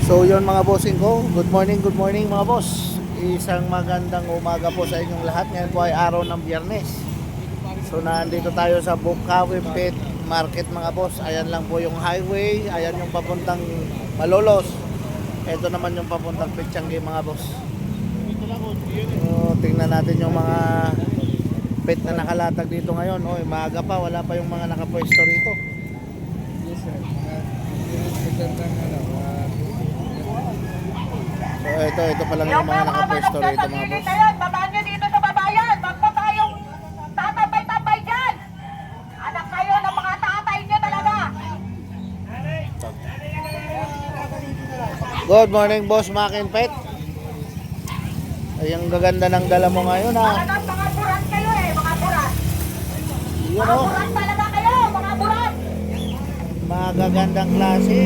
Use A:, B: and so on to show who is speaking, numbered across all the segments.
A: So yun mga bossing ko, good morning mga boss. Isang magandang umaga po sa inyong lahat. Ngayon po ay araw ng Biyernes. So nandito tayo sa Bukawi Pet Market mga boss. Ayan lang po yung highway, ayan yung papuntang Malolos. Ito naman yung papuntang Pichangge mga boss. So tingnan natin yung mga pet na nakalatag dito ngayon. Oy, maaga pa, wala pa yung mga nakapwesto rito.
B: Yes, sir.
A: So ito pa lang yung mga nakapwesto rito mga boss.
C: Babaan nyo dito sa babayan. Wag po tayong tatambay-tambay dyan. Anak kayo ng mga tatay nyo talaga.
A: Good morning boss Makin Pet. Ay, ang gaganda ng dala mo ngayon ha.
C: Talagang mga burat kayo mga burat.
A: Yun
C: Mga
A: o,
C: burat talaga kayo, mga burat.
A: magagandang klase.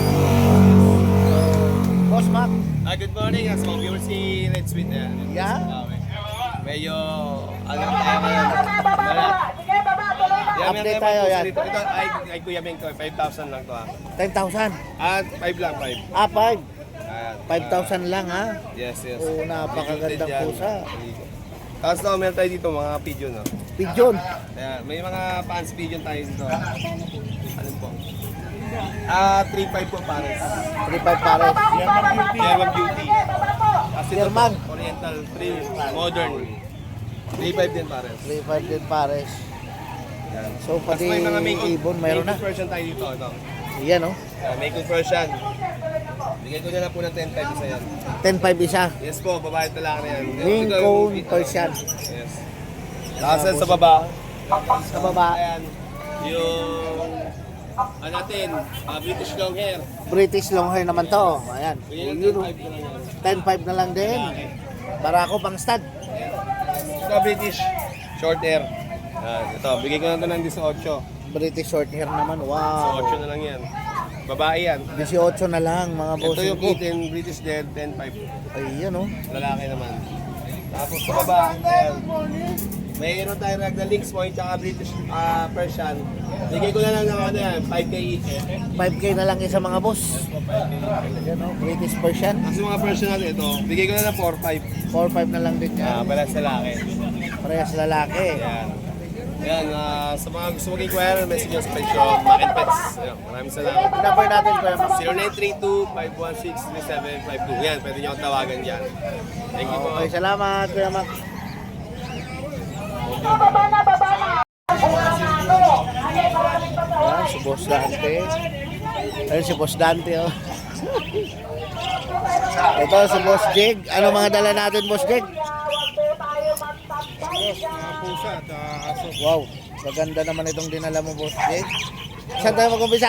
A: Boss Mac.
D: Good morning, as mga viewers si Red Sweet na.
A: Yeah?
D: Medyo, alam tayo ngayon.
C: Sige, baba, tuloy na.
A: Update tayo yan.
D: Ito ay Kuya Meng ko, 5,000 lang to ha.
A: 10,000.
D: At 5 lang, 5.
A: Ah, 5.
D: Ayan.
A: 5,000 lang ha.
D: Yes, yes.
A: Oo, napakagandang
D: Yan.
A: pusa.
D: Tapos no, meron tayo dito mga pigeon. No?
A: Pigeon.
D: Ayan, may mga fans pigeon tayo dito. Ano po? 3,500 po pares.
A: 3,500 pares.
D: German Beauty. Kasi ito
A: German.
D: po, Oriental 3, Modern. 3,500 din pares.
A: 3,500 din pares.
D: Yan.
A: So
D: Tapos
A: pati
D: may mga
A: ibon mayroon na.
D: Maine version tayo dito. Ito.
A: Yan o.
D: May conversion. Bigay ko na lang po ng 10,500 isa yan.
A: 10,500 isa.
D: Yes po, babae talaga na yan.
A: Maine
D: Ito,
A: Coon
D: ito.
A: Persian.
D: Yes. Tapos sa baba.
A: Sa baba,
D: Ayan. Yung ano natin, British long hair.
A: British long hair naman to. Ayan.
D: Bigay
A: Yun,
D: ng 10,500 na lang yan.
A: 10,500 na lang din. Para ako pang stud.
D: Ito British short hair. Ito, bigay ko na ito ng 18.
A: British short hair naman.
D: So,
A: Wow.
D: 8 na lang yan. Babae yan.
A: 18 na lang mga
D: Ito
A: boss
D: yung
A: ko.
D: kitten, British dead, 10,500.
A: Ayan o.
D: Lalaki naman. Tapos sa baba, ayan. Mayroon tayo ragdoll Lynx Point tsaka British Persian. Bigay ko na lang ng ano yan, 5K each.
A: 5K na lang isa mga boss. Ayan o. British Persian.
D: Kasi mga Persian natin ito, bigay ko na lang 4,500.
A: 4,500 na lang din yan.
D: Balas sa laki.
A: Parehas lalaki.
D: Ayan. Ayan, sa mga gusto mag-inquire, message nyo sa page ko, Makin Pets. Ayan, maraming salamat.
A: Number natin ko yan.
D: 0932-516-3752. Yan, pwede nyo akong tawagan dyan. Thank you po.
A: Okay, salamat Kuya Mac.
C: Baba na, baba na.
A: Ayan, si Boss Dante. Ayan si Boss Dante oh. Ito si Boss Jig. Ano mga dala natin Boss Jig?
B: Pusa at aso.
A: Wow, maganda naman itong dinala mo Boss Jig. Saan tayo mag-umpisa?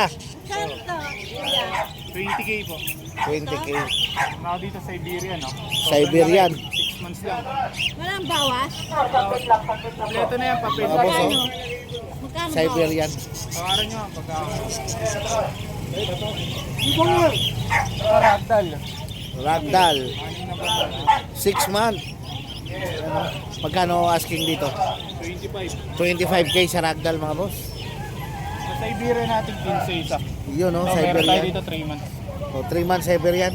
B: 20K po.
A: 20K.
B: Ako dito sa Iberia, no?
A: Siberian.
B: 6 months lang.
E: Walang bawas?
B: Kompleto na yan, papel.
A: Mga boss oh.
E: Magkano
A: Siberian.
B: Tawaran nyo, pagka... Ragdoll.
A: Ragdoll.
B: Kanina ba?
A: 6 months. Ano? Magkano asking dito?
B: 25.
A: 25K sa Ragdoll mga boss.
B: Sa Iberia natin, 15 isa.
A: Yun oh,
B: So, meron tayo
A: Siberian.
B: dito 3 months.
A: So 3 months Siberian.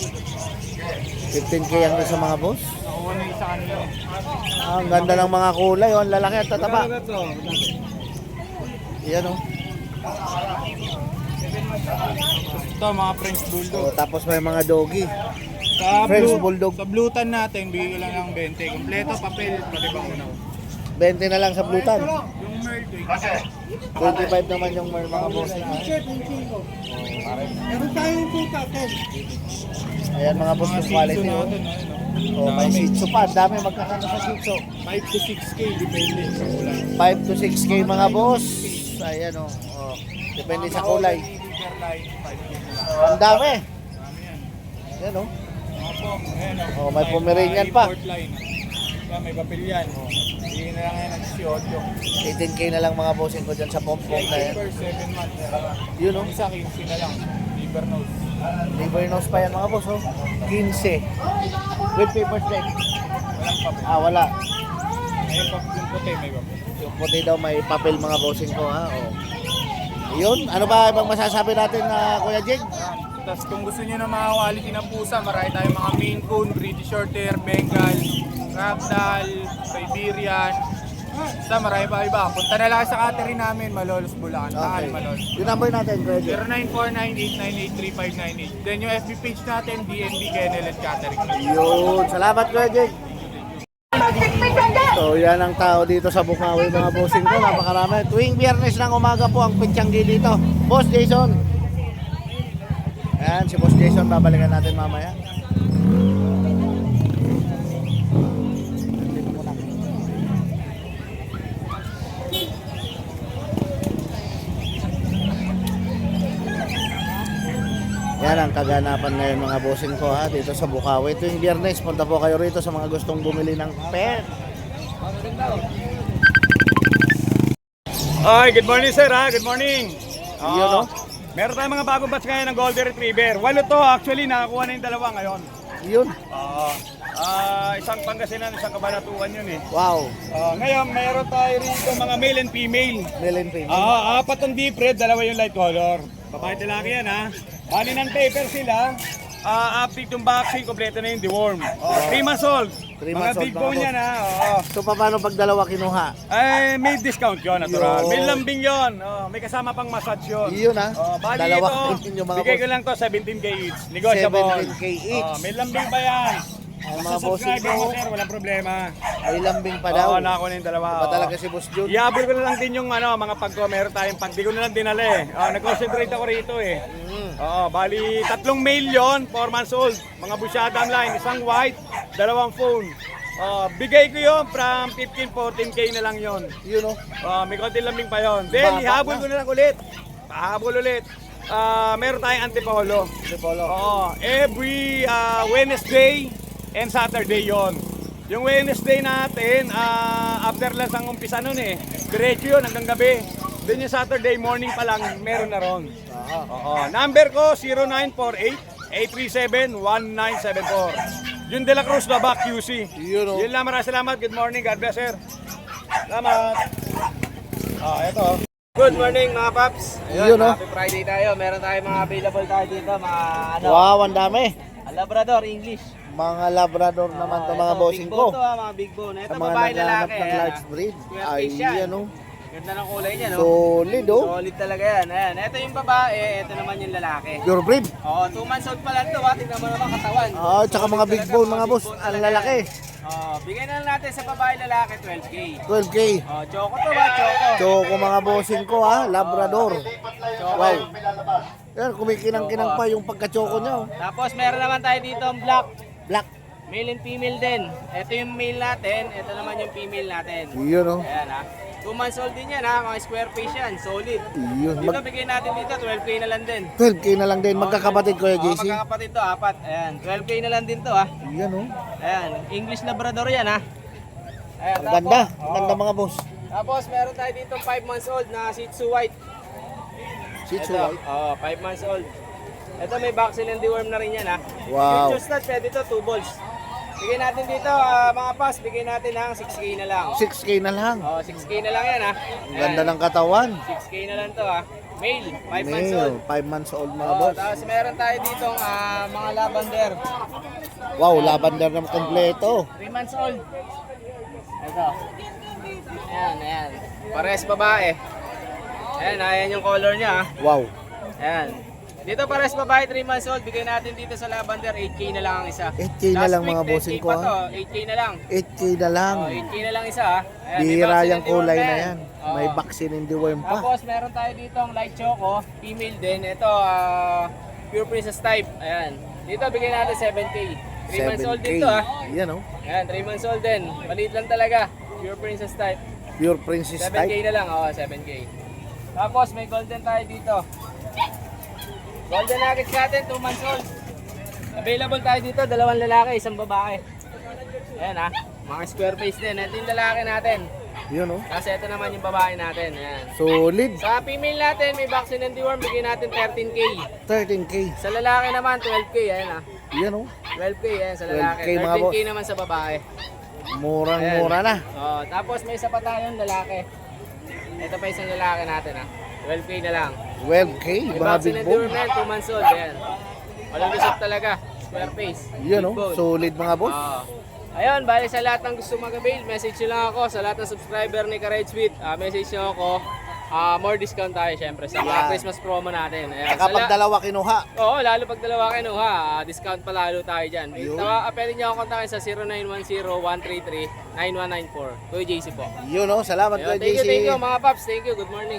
A: 15K ang isa mga boss.
B: Nakuha na isa kanila.
A: Ah, ang ganda ng mga kulay oh, ang lalaki at tataba. Yan oh.
B: Ito, mga French Bulldog.
A: Oh, tapos may mga doggy.
B: Sa
A: French
B: blue,
A: Bulldog.
B: Sa Blutan natin, bigay ko lang ng 20. Kompleto, papel, pati bang unaw.
A: 20 na lang sa Blutan.
B: Yung Merl,
A: 25 naman yung mga boss.
B: Meron tayong puta,
A: Ayan mga boss yung quality oh. Oh, may Shih Tzu pa. Ang dami magkakano sa Shih Tzu.
B: 5 to 6K, depende sa kulay.
A: 5 to 6K mga boss. Ayan oh. Oh. Depende sa kulay.
B: Line, 5K na lang.
A: Ang dami.
B: Dami yan.
A: Ayan oh.
B: Mga pong, ayan o.
A: Oh, may Pomeranian pa.
B: Import line. Yan, may papel yan. O. Bigyan na lang yan ng 18.
A: 18K na lang mga bossing ko dyan sa pom-pom na yan.
B: Per 7 months.
A: Yun oh.
B: Yung isa, 15 na lang. Liver nose.
A: Liver nose pa yan mga boss oh. 15. With paper check.
B: Walang papel.
A: Ah, wala.
B: Ayun, yung puti, may papel.
A: Yung puti daw may papel mga bossing ko ha. Oh. Yun, ano ba ibang masasabi natin na Kuya Jig?
B: Tapos kung gusto nyo ng mga quality ng pusa, marami tayong mga Maine Coon, British Shorthair, Bengal, Ragdoll, Siberian. Basta marami pa iba. Punta na lang sa catering namin, Malolos, Bulacan. Takal,
A: Okay.
B: Malolos.
A: Yung number natin, Kuya Jay.
B: 0949-898-3598. Then yung FB page natin, DNB Kennel and Catering.
A: Yun. Salamat, Kuya Jay. So yan ang tao dito sa Bukawi mga bossing ko, napakarami. Tuwing biyernes ng umaga po ang Pitsanggi dito. Boss Jason. Ayan, si Boss Jason, babalikan natin mamaya. Yan ang kaganapan ngayon mga bossing ko ha, dito sa Bukawi. Tuwing biyernes, punta po kayo rito sa mga gustong bumili ng pet.
F: Ay, good morning sir ha, good morning.
A: Yun, no?
F: Meron tayong mga bagong batch ngayon ng Golden Retriever. Walo to actually, nakakuha na yung dalawa ngayon.
A: Yun.
F: Isang Pangasinan, isang Kabanatuan yun eh.
A: Wow.
F: Ngayon, meron tayo rito mga male and female.
A: Male and female.
F: Apat ang deep red, dalawa yung light color. Babae talaki yan ha. Bali ng paper sila. Update yung vaccine, kompleto na yung deworm. 3 months old.
A: 3
F: Mga
A: months old,
F: big
A: mga
F: bone
A: boss.
F: yan ha.
A: So paano pag dalawa kinuha?
F: Ay, may discount yun, natural.
A: Yun.
F: May lambing yun. May kasama pang massage yun.
A: Yun ha.
F: Bali
A: Dalawa
F: ito,
A: yung mga
F: bigay ko
A: boss.
F: lang to 17k each. Negotiable.
A: 17K each.
F: May lambing pa yan.
A: Ang
F: Basta
A: mga bossing
F: subscriber mo
A: ko,
F: sir, walang problema.
A: ay lambing pa daw.
F: Oo, nakakuha na yung dalawa.
A: Ba talaga si Boss Jun?
F: Iabol ko na lang din yung mga pagko, meron tayong pag, di ko na lang dinala eh. Nag-concentrate ako rito eh. Bali, 3 male yun, 4 months old. Mga busyadam line, isang white, 2 phone. Bigay ko yun from 15-14k na lang yun.
A: Yun o.
F: May konti lambing pa yun. Then,
A: Baba
F: ihabol
A: na.
F: ko na lang ulit. Pahabol ulit. Meron tayong antipolo. Every Wednesday and Saturday yon. Yung Wednesday natin, after lang ang umpisa nun eh. Diretso yun hanggang gabi. Then yung Saturday morning pa lang, meron na ron. Number ko, 0948-837-1974. Yung De La Cruz, Baba, QC.
A: Yun o.
F: Yun lang, maraming salamat. Good morning. God bless, sir. Salamat. Eto.
D: Good morning mga paps.
A: Yun, no?
D: Happy Friday tayo. Meron tayong mga available tayo dito, mga
A: Wow, ang dami.
D: Labrador English.
A: Mga Labrador naman to mga
D: Ito,
A: bossing
D: big bone
A: ko.
D: to, mga big bone. Ito
A: Sa mga
D: babae
A: naghahanap
D: lalaki.
A: ng
D: ayan,
A: large breed.
D: Square
A: Ay,
D: face yan.
A: yan o.
D: Ganda ng kulay niya, no?
A: Solid o.
D: Solid talaga yan. Ayan. Ito yung babae, ito naman yung lalaki.
A: Pure breed.
D: Oo, 2 months old pa lang to. Tingnan mo naman katawan.
A: Tsaka
D: Solid
A: mga big
D: talaga,
A: bone mga boss.
D: big bone
A: Ang
D: talaga
A: lalaki.
D: yan. Bigyan na lang natin sa babae lalaki 12k.
A: 12K.
D: Choco to ba? Choco.
A: Choco mga bossing ko ha. Labrador.
D: Choco.
A: Wow. Yan, kumikinang-kinang pa yung pagka-choco niya oh.
D: Tapos meron naman tayo dito ang black.
A: Black.
D: Male and female din. Ito yung male natin, ito naman yung female natin.
A: Yun o.
D: Ayan ha. 2 months old din yan ha, mga square face yan, solid.
A: Yun.
D: Dito bigay natin dito, 12k na lang din.
A: 12K na lang din. Magkakapatid ko
D: Oo,
A: JC.
D: magkakapatid to, 4. Ayan, 12k na lang din to ha.
A: Yan o.
D: Ayan, English Labrador yan ha. Ayan,
A: Ang ganda. Ang ganda mga boss.
D: Tapos meron tayo dito 5 months old na Shih Tzu White.
A: Shih Tzu
D: Ito,
A: white.
D: 5 months old. Ito may vaccine and deworm na rin yan ha.
A: Wow.
D: Future stud, pwede to, 2 balls. Bigay natin dito, mga pass, bigay natin ng 6k na lang.
A: 6K na lang.
D: 6k na lang yan ha.
A: Ang ganda ng katawan.
D: 6k na lang to ha. Male, 5 months old.
A: Male. 5 months old mga boss.
D: Tapos meron tayo dito mga lavender.
A: Wow, lavender na kompleto.
D: 3 months old. Ito. Ayan. Pares babae. Ayan yung color niya ha.
A: Wow.
D: Ayan. Dito pares babae, 3 months old. Bigay natin dito sa lavender, 8k na lang ang isa.
A: 8K na lang mga bossing ko,
D: pa
A: ha?
D: to, 8k na lang.
A: 8K na lang.
D: 8k na lang isa ha. Ayan, may
A: Bihira
D: vaccine
A: yung
D: and deworm
A: kulay na
D: din.
A: yan. May vaccine and deworm pa.
D: Tapos meron tayo dito ang light choco, female din. Ito, pure princess type. Ayan. Dito bigyan natin 7k. 3 months old
A: 7K.
D: din to ha.
A: Yan o.
D: Ayan, 3 months old din. Maliit lang talaga. Pure princess type.
A: Pure princess
D: 7k
A: type.
D: na lang, 7k. Tapos may golden tayo dito. Golden nuggets natin, 2 months old. Available tayo dito, 2 lalaki, 1 babae. Ayan ha, mga square face din. Ito yung lalaki natin.
A: Yun o.
D: Kasi ito naman yung babae natin. Ayan.
A: Solid.
D: Sa female natin, may vaccine and deworm, bigyan natin 13k.
A: 13K.
D: Sa lalaki naman, 12k. Ayan ha.
A: Yan o.
D: 12k ayan sa lalaki.
A: 12K mga
D: 13k naman sa babae.
A: Murang-mura na.
D: Tapos may isa pa tayong lalaki. Ito pa isang lalaki natin ha. 12k na lang.
A: 12K,
D: May
A: mga
D: vaccine
A: big
D: and
A: bone.
D: deworm na yan, 2 months old. Ayan. Walang lusot talaga. Square face.
A: Yun
D: Big
A: oh,
D: bone.
A: solid mga boss.
D: Ayun, bali sa lahat ng gusto mag-avail, message nyo lang ako. Sa lahat ng subscriber ni Ka-Red Sweet, message nyo ako. More discount tayo syempre sa mga
A: Yan.
D: Christmas promo natin. Ayan.
A: Kapag dalawa kinuha,
D: Oo, lalo pag dalawa kinuha, discount pa lalo tayo dyan.
A: Yun.
D: Pwede nyo ako kontakin sa 0910-133-9194. Kuya JC po.
A: yun oh, salamat
D: Ayun,
A: kay JC.
D: thank you mga paps. Thank you. Good morning.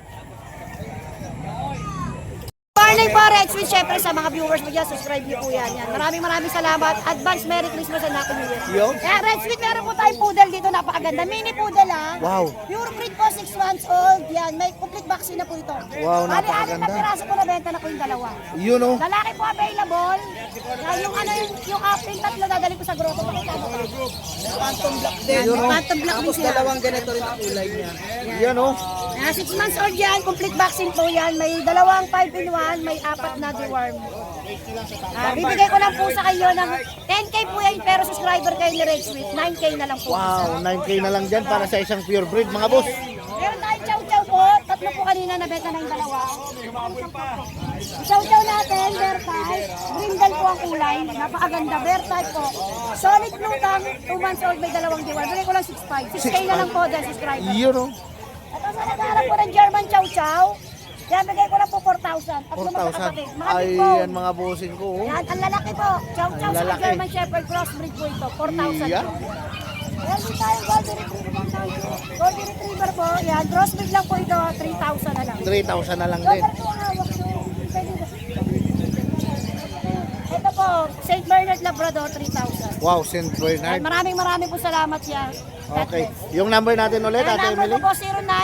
E: Morning po, Red Sweet. Siyempre sa mga viewers mo dyan, subscribe niyo po yan. Maraming salamat. Advance Merry Christmas and Happy New Year.
A: Yo.
E: Kaya Red Sweet, meron po tayong poodle dito. Napakaganda. Mini poodle ha.
A: Wow.
E: Pure breed po, 6 months old. Yan, may complete vaccine na po ito.
A: Wow,
E: Bali,
A: napakaganda.
E: 6 na piraso po nabenta na po yung dalawa.
A: Yun oh.
E: Lalaki po available. Yan, yung apple tatlo dadali ko sa grotto. Pakita mo. Phantom black din.
A: Yun, oh.
E: Phantom black din siya.
C: ganito rin ang kulay niya.
A: Yan oh.
E: 6 months old yan, complete vaccine po yan. May dalawang 5-in-1, may 4 na deworm. Bibigay ko lang po sa kayo ng 10K po yan, pero subscriber kayo ni Red Sweet, 9K na lang po.
A: Wow, 9K na lang dyan para sa isang pure breed mga boss.
E: Meron tayong chow-chow po, tatlo po kanina nabenta na yung dalawa. Chow-chow natin, bear type, brindle po ang kulay, napakaganda, bear type po. Solid lutang, 2 months old, may dalawang deworm. Bigay ko lang 6.5, 6K na lang po dyan subscriber.
A: Yun oh.
E: Ito sa nagharap po ng German chow-chow, yan bigay ko lang po 4,000. At
A: 4,000.
E: Mga big
A: Ay,
E: bone.
A: yan mga bossing ko oh.
E: Yan, ang lalaki po. Chow-chow
A: Ang
E: sa
A: lalaki.
E: German Shepherd crossbreed po ito. 4,000
A: Yeah.
E: po. Meron din tayong Golden Retriever. Golden Retriever po. Yan, crossbreed lang po ito. 3,000 na lang.
A: 3,000 na lang din.
E: Local po ang hawak nyo. Ito po, St. Bernard Labrador, 3,000.
A: Wow, St. Bernard.
E: Maraming po salamat yan. God
A: Okay.
E: bless.
A: Yung number natin ulit,
E: Ang
A: Ate
E: number
A: Emily?
E: ko po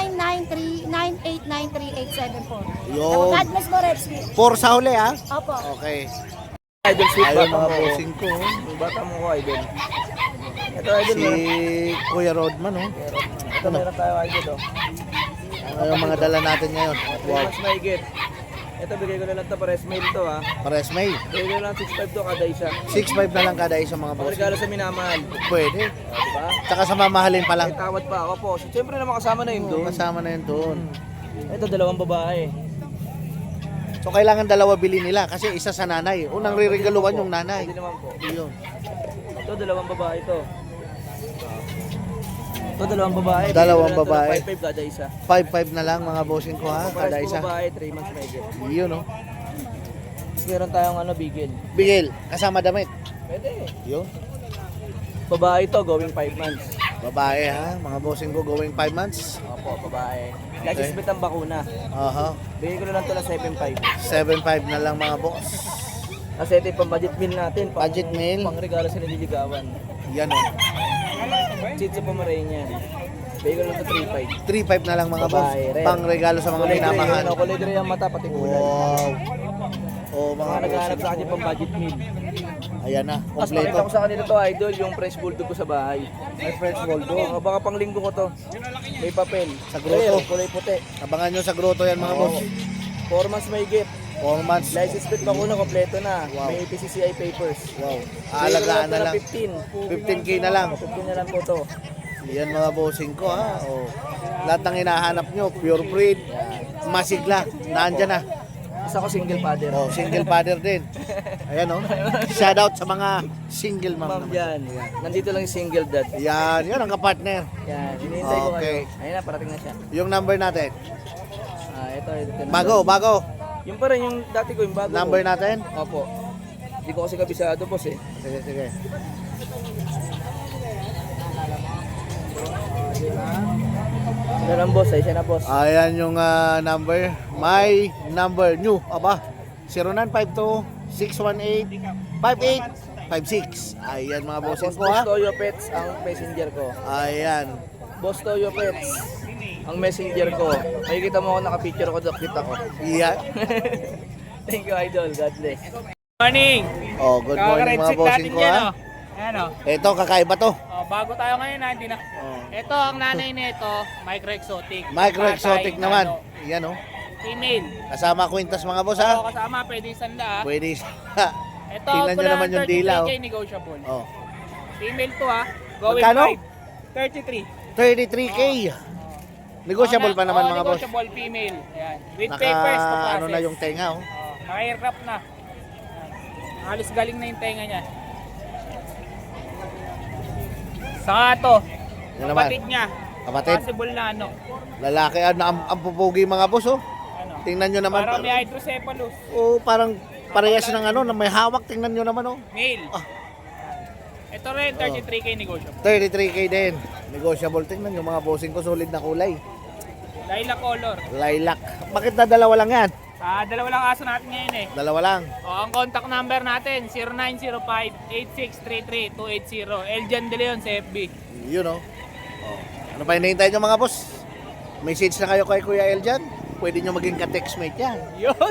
E: 0993-9893-874.
A: Yun.
E: God bless mo, Red Sweet.
A: 4 sa huli ha?
E: Opo.
A: Okay.
F: Idol sweet
A: Ayun
F: bata
A: mga
F: mo.
A: bossing ko. oh.
F: Yung bata mo ko, idol. Ito, idol.
A: Si Kuya Rodman oh.
F: Ito, meron tayo, idol.
A: Ano yung mga dala natin ngayon?
F: 3
A: Wow.
F: months mahigit. Ito, bigay ko na lang ito, pares mail to ha.
A: Pares may.
F: Bigay ko na lang 6.5 to kada isa.
A: 6.5 na lang kada isa mga boss.
F: Pagregalo sa minamahal.
A: Pwede.
F: Diba?
A: Tsaka sa mamahalin pa lang.
F: May tawad pa ako po. So, siyempre naman kasama na yun doon.
A: Kasama na yun doon.
F: Ito, dalawang babae.
A: So kailangan dalawa bili nila kasi isa sa nanay. Unang riregaluhan yung nanay.
F: Hindi naman po.
A: Yun.
F: Ito, dalawang babae to. Ito, dalawang babae.
A: Dalawang
F: Bigay ko na lang
A: babae.
F: ito ng 5.5 kada isa.
A: 5.5 na lang mga bossing ko ha,
F: Pares
A: kada
F: po
A: isa.
F: babae, 3 months mahigit.
A: Yun oh.
F: Meron tayong bigel.
A: Bigel, kasama damit.
F: Pwede.
A: Yun.
F: Babae to, going 5 months.
A: Babae ha, mga bossing ko going 5 months.
F: Opo, babae.
A: Okay.
F: Licensed ang bakuna.
A: Aha.
F: Bigay ko na lang to ng 7.5.
A: 7.5 na lang mga boss.
F: Kasi ito yung pang-budget meal natin.
A: Budget meal.
F: Pang regalo sa nililigawan.
A: Yan oh.
F: Chitsa Pomeranian. Bigay ko na lang to 3.5.
A: 3.5 na lang mga boss.
F: Babae, red.
A: Pang regalo sa mga minamahal.
F: Kulay gray ang mata, pati kulay.
A: Wow. Oh,
F: Mga
A: mga
F: naghahanap sa
A: bossing.
F: akin pang budget meal.
A: Ayan na,
F: Tapos pakita
A: kompleto.
F: ko sa kanila to, idol, yung French Bulldog ko sa bahay.
A: May French Bulldog.
F: Baka pang linggo ko to. May papel.
A: Sa grotto.
F: Kulay puti.
A: Abangan nyo sa grotto yan mga boss.
F: 4 months may gift.
A: 4 months.
F: License plate bakuna, kompleto na.
A: Wow.
F: May PCCI papers.
A: Wow.
F: Bigay
A: Aalagaan
F: ko
A: na lang.
F: 15.
A: 15k na lang.
F: 15 na lang po to.
A: Yan mga bossing ko ha. Oh. Lahat ng hinahanap nyo, pure breed, masigla, nandyan na.
F: Isa ko single father.
A: Oh, single father din. Ayan oh. Shout out sa mga single mom
F: Ma'am
A: naman.
F: yan. Nandito lang yung single dad.
A: Yan, yan ang kapartner.
F: Yan. Hinihintay ko
A: Okay.
F: kayo. Ayun na, parating na siya.
A: Yung number natin.
F: Ito.
A: Bago.
F: Yung pa rin yung dati ko, yung bago
A: Number
F: ko.
A: natin.
F: Opo. Hindi ko kasi kabisado, boss eh.
A: Sige.
F: Ano lang, boss? Ay, siya na, boss.
A: Ayan yung number. My number new. Aba. 0952-618-5856. Ayan mga bossing ko ha.
F: Boss Toyo Pets ang messenger ko.
A: Ayan.
F: Boss Toyo Pets ang messenger ko. Makikita mo ako naka-picture ko, kita ko.
A: Iyan.
F: Thank you, idol. God bless.
B: Morning!
A: Oh, good morning mga bossing ko ha.
B: Ayan o.
A: Ito, kakaiba to.
B: Oh, bago tayo ngayon na, hindi na.
A: Oh.
B: Ito, ang nanay nito, micro exotic.
A: Micro exotic
B: Patay,
A: naman.
B: ano,
A: Yan oh.
B: Female.
A: Kasama kwintas mga boss
B: So,
A: ha.
B: kasama, pwede isanda.
A: Pwede.
B: Ito,
A: Tingnan nyo naman yung dila, oh.
B: 33K negotiable.
A: Oh.
B: Female to ha. Going
A: Magkano?
B: 5. 33.
A: 33k. Negotiable pa naman mga boss.
D: Negotiable female. Ayan. With papers to process.
A: Ano na yung tenga oh.
D: Naka-aircraft na. Ayan. Halos galing na yung tenga niya. Saka to,
A: Yan naman.
D: kapatid niya.
A: Kapatid.
D: Possible na ano.
A: Lalaki ang pupugi mga boss oh.
D: Ano.
A: Tingnan nyo naman.
D: Parang may hydrocephalus.
A: Oh, parang parehas ng ano, na may hawak. Tingnan nyo naman oh.
D: Male.
A: Ah.
D: Ito rin, 33k negotiable.
A: 33k din. Negotiable. Tingnan nyo mga bossing ko, solid na kulay.
D: Lilac color.
A: Lilac. Bakit na dalawa lang yan?
D: Dalawa lang aso natin ngayon eh.
A: Dalawa lang.
D: Ang contact number natin, 0905-8633-280. Eljan De Leon sa FB.
A: Yun oh. Ano pa hinihintay nyo mga boss? Message na kayo kay Kuya Eljan. Pwede nyo maging ka-textmate yan.
D: Yun.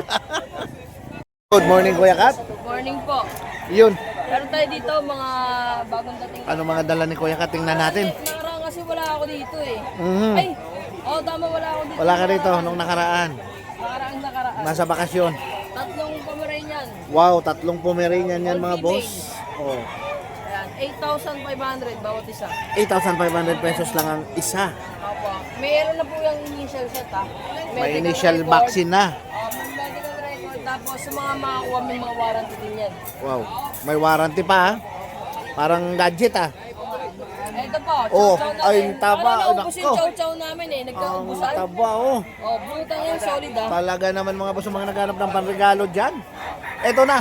A: Good morning Kuya Kat.
G: Good morning po.
A: Yun.
G: Meron tayo dito mga bagong dating.
A: Ano mga dala ni Kuya Kat? Tingnan natin.
G: Nakaraan kasi wala ako dito eh.
A: Mhm.
G: Ay, tama, wala ako dito.
A: Wala ka rito nung nakaraan.
G: Nakaraan.
A: Nasa bakasyon.
G: Tatlong Pomeranian.
A: Wow, 3 Pomeranian yan mga
G: All
A: boss. Oh.
G: Ayan, 8,500 bawat isa.
A: 8,500 pesos lang ang isa.
G: Opo. Meron na po yung initial set ha.
A: May
G: Medical
A: initial
G: record.
A: vaccine na.
G: May medical record. Tapos sa mga makakuha may mga warranty din yan.
A: Wow. May warranty pa ha. Parang gadget ah.
G: Ito po,
A: Oh,
G: chow-chow natin.
A: ay, taba,
G: Parang naubos yung
A: nako.
G: chow-chow namin eh.
A: Ang
G: Nagkaubusan.
A: taba oh.
G: Butang yan, solid ha.
A: Talaga naman mga boss, mga naghanap ng panregalo dyan. Eto na.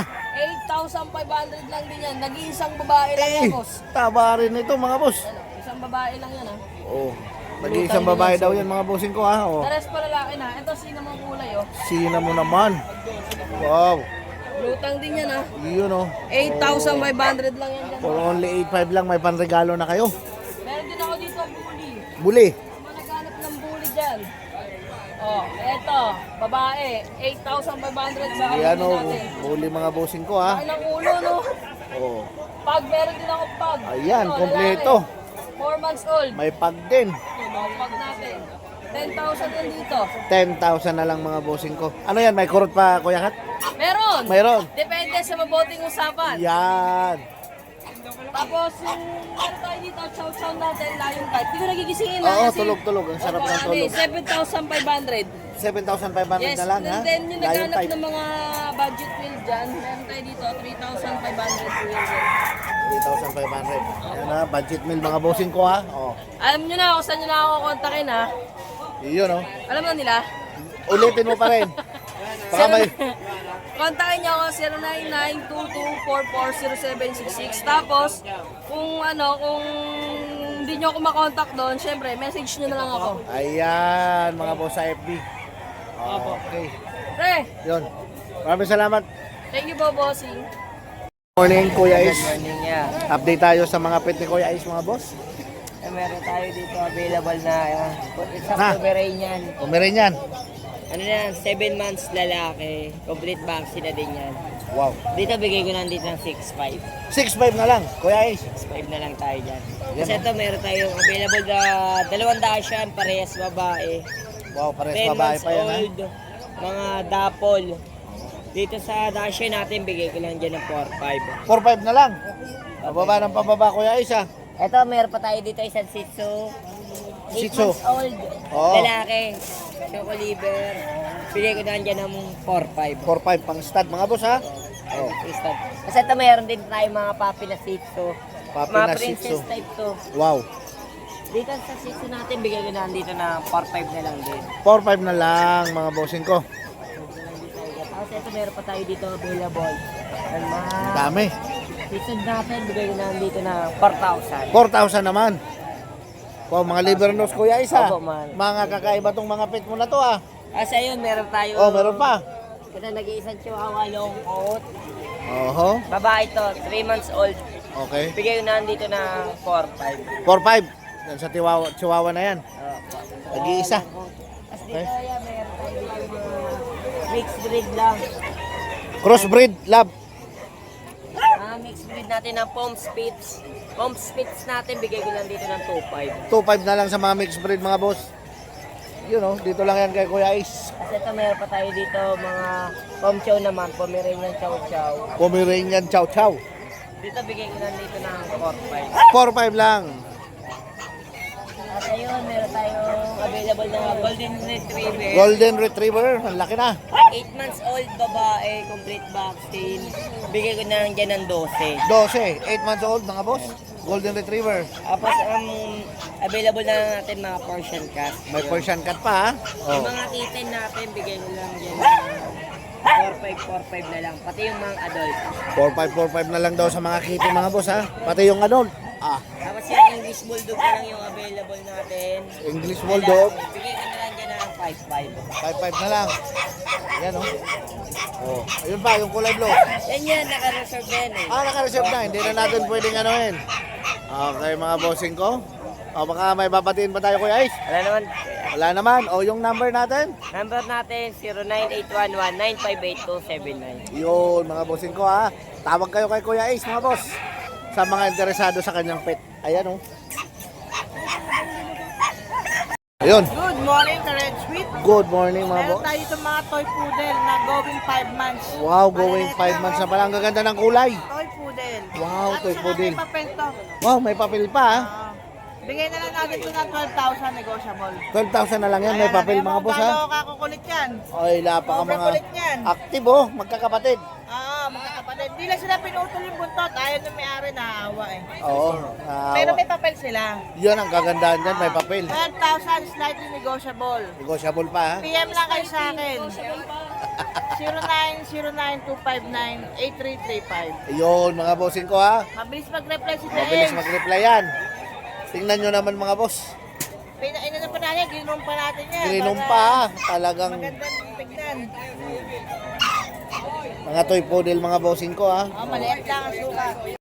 G: 8,500 lang din yan. Nag-iisang babae lang yan, boss.
A: Taba rin ito mga boss.
G: Ano, isang babae lang yan, ha?
A: Oh. Nag-iisang babae daw yan mga bossing ko ha. Oh.
G: The rest pa lalaki na. Ito, sinamang kulay, oh.
A: Sina mo naman. Wow.
G: Lutang din yan, ha?
A: Yun oh.
G: 8,500 lang yan dyan.
A: For only 8,500 lang may panregalo na kayo.
G: Meron din ako dito, bully.
A: Buli.
G: Mga naghanap ng bully dyan. Oh, eto, babae. 8,500 sa
A: Yan
G: kapatid
A: oh.
G: natin.
A: Buli mga bossing ko ha.
G: Ay, ng ulo, no?
A: Oh.
G: Pag, meron din ako pag.
A: Ayan,
G: Ito,
A: kompleto.
G: lalaki. 4 months old.
A: May pag din.
G: Mga pag natin. 10,000 yan dito.
A: 10,000 na lang mga bossing ko. Ano yan? May kurot pa Kuya Kat?
G: Meron.
A: Mayroon.
G: Depende sa mabuting usapan.
A: Yan.
G: Tapos yung ano tayo dito, chow-chow natin, layong type. Hindi ko nagigisingin
A: Oo,
G: kasi-
A: tulog-tulog. Ang sarap
G: Opo,
A: ng tulog.
G: 7,500.
A: 7,500
G: Yes,
A: na lang ha.
G: and then yung
A: Lion
G: naghanap
A: type.
G: ng mga budget meal dyan, meron tayo dito, 3,500 po yun.
A: 3,500. Yan ha, budget meal mga bossing ko ha. Oh.
G: Alam nyo na kung saan nyo na ako kontakin ha.
A: Yun oh.
G: Alam na nila?
A: Ulitin mo pa rin. Baka may...
G: Kontakin nyo ako 0922440766. Tapos, kung hindi nyo ako makontak doon, syempre, message nyo na lang ako.
A: Ayan, mga boss sa FB. Okay.
G: Pre,
A: Yun. Maraming salamat.
G: thank you po, bossing.
A: Morning, Kuya Is.
D: Morning niya.
A: Update tayo sa mga pet ni Kuya Is, mga boss.
D: Meron tayo dito available na isang
A: Na.
D: Pomeranian.
A: Pomeranian.
D: Ano yan, 7 months lalaki. Complete vaccine na din yan.
A: Wow.
D: Dito bigay ko lang dito ng 6.5.
A: 6,500 na lang, Kuya Is.
D: 6.5 na lang tayo dyan. Kasi ito meron tayong available na 2 Dachshund, parehas babae.
A: Wow, pares
D: 10
A: babae
D: months
A: pa yan ha.
D: old, mga dapol. Dito sa Dachshund natin, bigay ko lang dyan ng 4.5.
A: 4,500 na lang. Pababa ng pababa, Kuya Is ha.
D: Ito, meron pa tayo dito isang Shih Tzu. 8
A: Shih Tzu.
D: months old.
A: Oo.
D: Lalaki. Choco liver. Bigay ko na dyan ng 4.5.
A: 4,500 pang stud, mga boss ha. Oh.
D: Stud. Kasi ito meron din tayo mga puppy na Shih Tzu.
A: Puppy
D: Mga
A: na Shih
D: princess
A: Tzu.
D: type to.
A: Wow.
D: Dito sa Shih Tzu natin, bigay ko na dito ng 4.5 na lang din.
A: 4,500 na lang, mga bossing ko.
D: Tapos ito meron pa tayo dito available. Ang mga
A: Ang dami.
D: Shih Tzu natin, bigay ko na dito ng 4,000.
A: 4,000 naman. Wow, mga liver nose, Kuya Is ha.
D: Opo, man.
A: Mga kakaiba tong mga pet mo na to ha.
D: Kasi ayun, meron tayo.
A: Oh, meron pa.
D: Ito nag-iisang chihuahua long coat.
A: Oho.
D: Babae to, 3 months old.
A: Okay.
D: Bigay ko na dito ng 4.5.
A: 4,500. Yan sa Chihuahua na yan. Nag-iisa.
D: Tapos dito,
A: Okay.
D: yeah, meron tayo dito mga mixed breed lang.
A: Crossbreed, lab.
D: Mixed breed natin ng Pom Spitz. Pom Spitz natin, bigay ko lang dito ng 2.5.
A: 2,500 na lang sa mga mixed breed, mga boss. Yun oh, dito lang yan kay Kuya Is.
D: Kasi ito, meron pa tayo dito mga Pom Chow naman, Pomeranian Chow Chow.
A: Pomeranian Chow Chow.
D: Dito, bigay ko lang dito ng 4.5.
A: 4,500 lang.
D: At ayun, meron tayong
H: available na Golden Retriever.
A: Golden Retriever, ang laki na.
H: 8 months old babae, complete vaccine. Bigay ko na lang dyan ng 12.
A: 12, 8 months old mga boss. Golden Retriever.
H: Tapos available na lang natin mga Persian cat.
A: May Persian cat pa ha.
H: Yung
A: Oh.
H: mga kitten natin, bigay ko lang dyan ng 4-5 na lang. Pati yung mga adult.
A: 4545 na lang daw sa mga kitty mga boss ha. Pati yung adult. Ah,
H: Tapos yung English Bulldog na lang yung available natin.
A: English Bulldog.
H: Bigay ko na lang dyan ng 5-5.
A: 55 na lang. Yan oh. Oh, ayun pa yung kulay blue.
H: Yan, naka-reserve yan eh.
A: Ah, naka-reserve na. Hindi na natin pwedeng anuhin. Okay mga bossing ko. O baka may babatiin pa tayo Kuya Ice.
H: Wala naman.
A: Wala naman. O yung number natin.
H: Number natin, 09811-958-279.
A: Yun mga bossing ko ha. Tawag kayo kay Kuya Ace mga boss. Sa mga interesado sa kanyang pet. Ayan oh. Ayun.
I: Good morning, ka Red Sweet.
A: Good morning mga
I: Meron
A: boss.
I: tayo sa mga toy poodle na going 5 months.
A: Wow, going 5 months na pala. Ang gaganda ng kulay.
I: Toy poodle.
A: Wow,
I: At
A: toy
I: saka
A: poodle.
I: may papel to.
A: Wow, may papel pa ha.
I: Bigay na lang natin ito ng 12,000 negotiable.
A: 12,000 na lang yan. May papel mga boss ha.
I: Gano'ng kakukulit yan.
A: Ay, lapaka mga
I: Overkulit yan.
A: active oh. Magkakapatid.
I: Mga kapatid. Hindi lang sila pinutol yung buntot. Ayaw ng may-ari naawa eh.
A: Oo.
I: Pero may papel sila.
A: Yan ang kagandahan dyan. May papel.
I: 12,000 slightly negotiable.
A: Negotiable pa ha.
I: PM lang kayo sa akin. 0909-259-8335.
A: Yun mga bossing ko ha.
I: Mabilis mag-reply si
A: Mabilis
I: James.
A: mag-reply yan. Tingnan nyo naman mga boss.
I: Inano pa natin, ginom pa natin yan.
A: Grinom
I: para
A: pa ha. Talagang
I: Magandang tignan.
A: mga toy poodle mga bossing ko ha.
I: Maliit lang ang sukat.